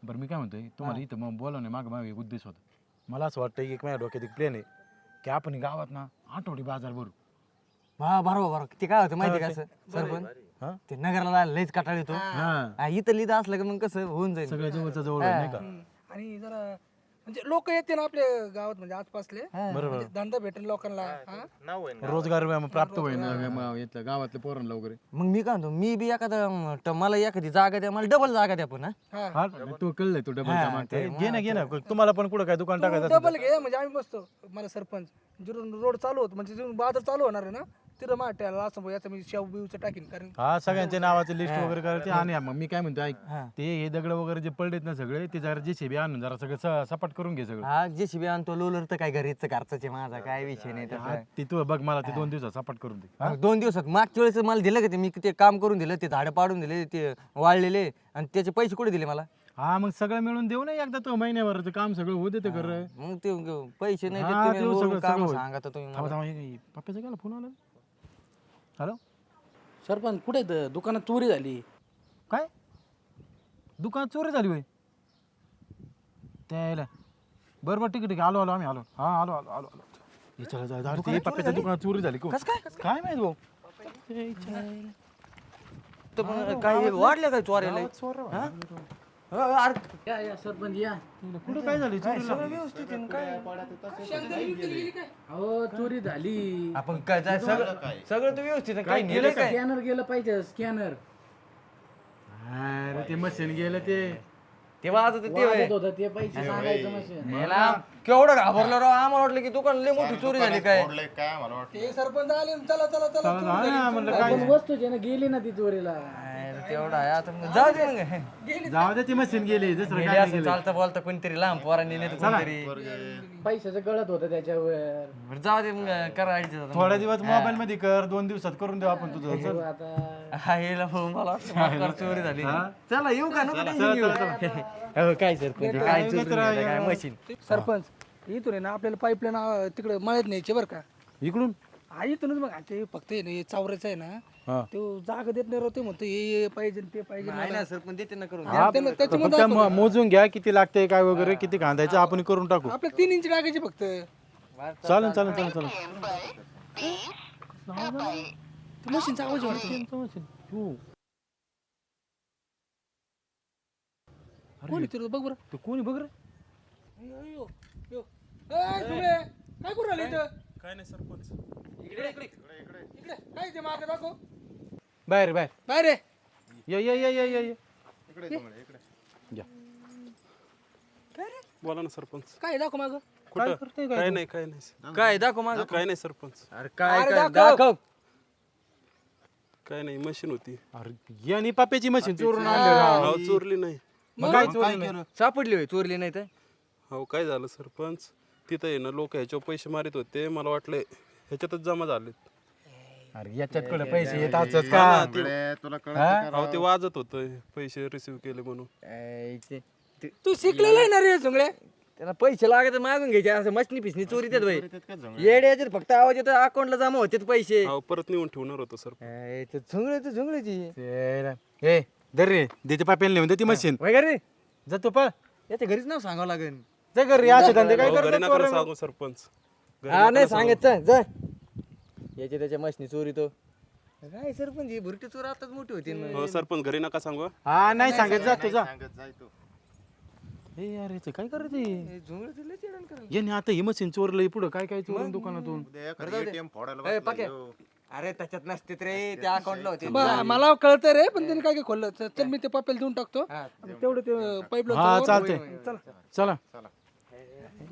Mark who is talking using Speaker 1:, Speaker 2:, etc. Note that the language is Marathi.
Speaker 1: बरं मी काय म्हणतोय तुम्हाला इथं मग बोलवणे मागे एक उद्देश होता. मला असं वाटतं की एक माझ्या डोक्यात एक प्लॅन आहे की आपण गावात ना आठवडी बाजार भरू.
Speaker 2: हा बरोबर ते काय होतं माहिती का असं सरपंच
Speaker 1: हा?
Speaker 2: ते नगराला लयच कटाळ येतो इथं लिहिलं असलं की मग कसं होऊन जाईल
Speaker 1: सगळ्या जवळच्या जवळ होईल, नाही का?
Speaker 3: आणि जरा म्हणजे लोक येते ना आपल्या गावात म्हणजे आसपासले
Speaker 1: बरोबर
Speaker 3: म्हणजे धंदा भेटेल लोकांना हा?
Speaker 1: रोजगार प्राप्त होईल इथल्या गावातल्या पोरांना वगैरे.
Speaker 2: मग मी काय म्हणतो मी बी एखादा मला एखादी जागा द्या मला डबल जागा द्या पण
Speaker 3: हा
Speaker 1: हा तू कळलंय तू डबल घे ना तुम्हाला पण कुठं काय दुकान टाकायचं असेल
Speaker 3: डबल घे म्हणजे आम्ही बसतो मला सरपंच जिथून रोड चालू होत म्हणजे जिथून बाजार चालू होणार आहे ना तिथं माट्याला असं याचं मी शेव बिवचं टाकीन कारण
Speaker 1: हा सगळ्यांच्या नावाचे लिस्ट वगैरे करायचे आणि मग मी काय म्हणतो ऐक ते हे दगड वगैरे जे पडलेत ना सगळे ते जरा JCB आणून जरा सगळं सपाट करून घे सगळं.
Speaker 2: हा JCB आणतो लोलर तर काय घरीच घरचाच माझा काय विषय नाही
Speaker 1: हा,
Speaker 2: तसा
Speaker 1: ते तू बघ मला ते 2 दिवसात सपाट करून दे.
Speaker 2: 2 दिवसात मागच्या वेळेस मला दिलं का ते मी ते काम करून दिलं ते झाडं पाडून दिले ते वाळलेले आणि त्याचे पैसे कुठे दिले मला
Speaker 1: हा मग सगळं मिळून देऊ ना एकदा तो महिन्याभराचं काम सगळं होऊ देते कर.
Speaker 2: मग ते पैसे नाही
Speaker 1: हा,
Speaker 2: देत तुम्ही
Speaker 1: देऊ
Speaker 2: वरून
Speaker 1: सगळं,
Speaker 2: काम
Speaker 1: सगळं होईल.
Speaker 2: सांगा तर तुम्ही मला.
Speaker 1: पप्पाचा गेला फोन आला. हॅलो
Speaker 4: सरपंच कुठे दुकानात चोरी झाली.
Speaker 1: काय दुकान चोरी झाली होय त्याला बरोबर ठीक आलो आम्ही आलो हा आलो आलो आलो आलो हे चला जाऊ दे, पप्पाच्या दुकानात चोरी झाली काय माहित भाऊ.
Speaker 2: तर मग काय वाढलं काय चोऱ्याला हा? अरे
Speaker 4: या सरपंच या.
Speaker 1: कुठं काय झाली
Speaker 2: सगळं व्यवस्थित आहे ना, काय
Speaker 4: अहो चोरी झाली.
Speaker 2: आपण काय जाय सगळं सगळं तर व्यवस्थित आहे. काय गेलं काय
Speaker 4: स्कॅनर गेलं पाहिजे स्कॅनर.
Speaker 1: अरे ते मशीन गेलं
Speaker 2: ते वाजत ते
Speaker 4: वाजत होतं ते पैसे सांगायचं मशीन.
Speaker 2: याला केवढं घाबरलं राव आम्हाला वाटलं की दुकान लय मोठी चोरी झाली काय
Speaker 3: ते सरपंच आले न चला चला चला
Speaker 1: म्हणलं काय
Speaker 4: पण वस्तूची ना गेली ना ती चोरीला.
Speaker 2: अरे तेवढा आहे आता मग जाऊ दे मग
Speaker 1: जाऊ दे ती मशीन गेली दुसरं
Speaker 2: गेले
Speaker 1: काय
Speaker 2: असं चालता बोलता कोणतरी लहान पोरांनी नाही तर कोणतरी
Speaker 4: पैशाचं गळत होतं त्याच्यावर.
Speaker 2: बरं जाऊ दे मग करा ऍडजस्ट
Speaker 1: थोड्या दिवस मोबाईल मध्ये कर 2 दिवसात करून देऊ आपण तुझं चल.
Speaker 4: आता
Speaker 2: हा येला भाऊ मला वाटतं मागं चोरी झाली चला येऊ का नको tension घेऊ. हो, काय सर काय चोरी झाली, काय मशीन
Speaker 3: सरपंच इथून आहे ना आपल्याला पाईपलाईन तिकडे मळ्यात न्यायची बरं का
Speaker 1: इकडून
Speaker 3: हा इथूनच मग ते फक्त आहे ना हे चावरायचं आहे ना
Speaker 1: हा.
Speaker 3: तो जागा देत नाही राव ते म्हणतो हे पाहिजे ते पाहिजे
Speaker 2: आहे ना सर पण देते ना करून
Speaker 1: हा, फक्त मोजून घ्या किती लागते काय वगैरे किती कांदायचं आपण करून टाकू.
Speaker 3: आपल्या 3 इंच टाकायची फक्त
Speaker 1: चालेल चालेल चालेल चालेल
Speaker 3: मशीनचा आवाज वाटतो कोणी तिथं बघ बरं
Speaker 1: तू कोणी बघ रे
Speaker 3: अयो, यो. ए, सुळे, काय करू राहिले इथं
Speaker 5: काय नाही सरपंच.
Speaker 3: इकडे काय ते मागे दाखव
Speaker 1: बाहेर बाहेर
Speaker 3: बाहेर रे
Speaker 1: ये या.
Speaker 5: बोला ना सरपंच.
Speaker 3: काय दाखव माग
Speaker 5: कुठं काय नाही काय नाही
Speaker 2: काय दाखव माझं
Speaker 5: काय नाही सरपंच.
Speaker 2: अरे काय
Speaker 3: अरे
Speaker 2: काय
Speaker 3: दाखव.
Speaker 2: दाखव
Speaker 5: काय नाही मशीन होती.
Speaker 1: अरे यांनी पप्प्याची मशीन चोरून आणली राव.
Speaker 5: अहो चोरली नाही.
Speaker 1: मग काय चोरी नाही?
Speaker 2: सापडली होय चोरली नाही तर
Speaker 5: हो काय झालं सरपंच तिथं आहे ना लोक ह्याच्यावर पैसे मारित होते मला वाटलं ह्याच्यातच जमा झालेत.
Speaker 1: अरे याच्यात कडे पैसे येत असतात का
Speaker 5: अहो ते वाजत होतं पैसे रिसिव्ह केले म्हणून.
Speaker 3: तू शिकलेला आहे ना रे सुंगड्या
Speaker 2: त्याला पैसे लागत मागून घ्यायचे असं मशनी पिसनी चोरी देत भाई येड्याचे फक्त आवाज येतो अकाउंटला जमा होते पैसे
Speaker 5: अहो परत नेऊन ठेवणार होतं सर.
Speaker 2: झुंगळीची
Speaker 1: ए दर रे देते पाप्याला नेऊन दे ती मशीन
Speaker 2: वगैरे
Speaker 1: जातो पळ
Speaker 2: याच्या घरीच नाव सांगावं लागेल
Speaker 1: जा घरी असे धंदे काय
Speaker 5: अहो, घरी
Speaker 1: करतो
Speaker 5: नका सांगू सरपंच. घरी
Speaker 2: हा
Speaker 5: नका
Speaker 2: नाही
Speaker 5: सांगू.
Speaker 2: सांगत जा याच्या त्याच्या मशनी चोरी तो काय सरपंच भुरटी चोर आताच मोठी होती ना.
Speaker 5: हो सरपंच घरी नका सांगू.
Speaker 1: हा नाही सांगत जा तुझा ए यार याचं काय करायचं
Speaker 2: हे झुंगळीचं लय चिडण करायला.
Speaker 1: याने आता ही मशीन चोरलंय पुढं काय काय चोरून दुकानातून
Speaker 2: ए, पक्या. अरे त्याच्यात नसते रे त्या अकाउंटला होते
Speaker 3: मला कळतं रे पण त्याने काय काय खोललं चल मी ते पापेल देऊन टाकतो तेवढं ते पाईपलाईन
Speaker 1: हा चालतंय चला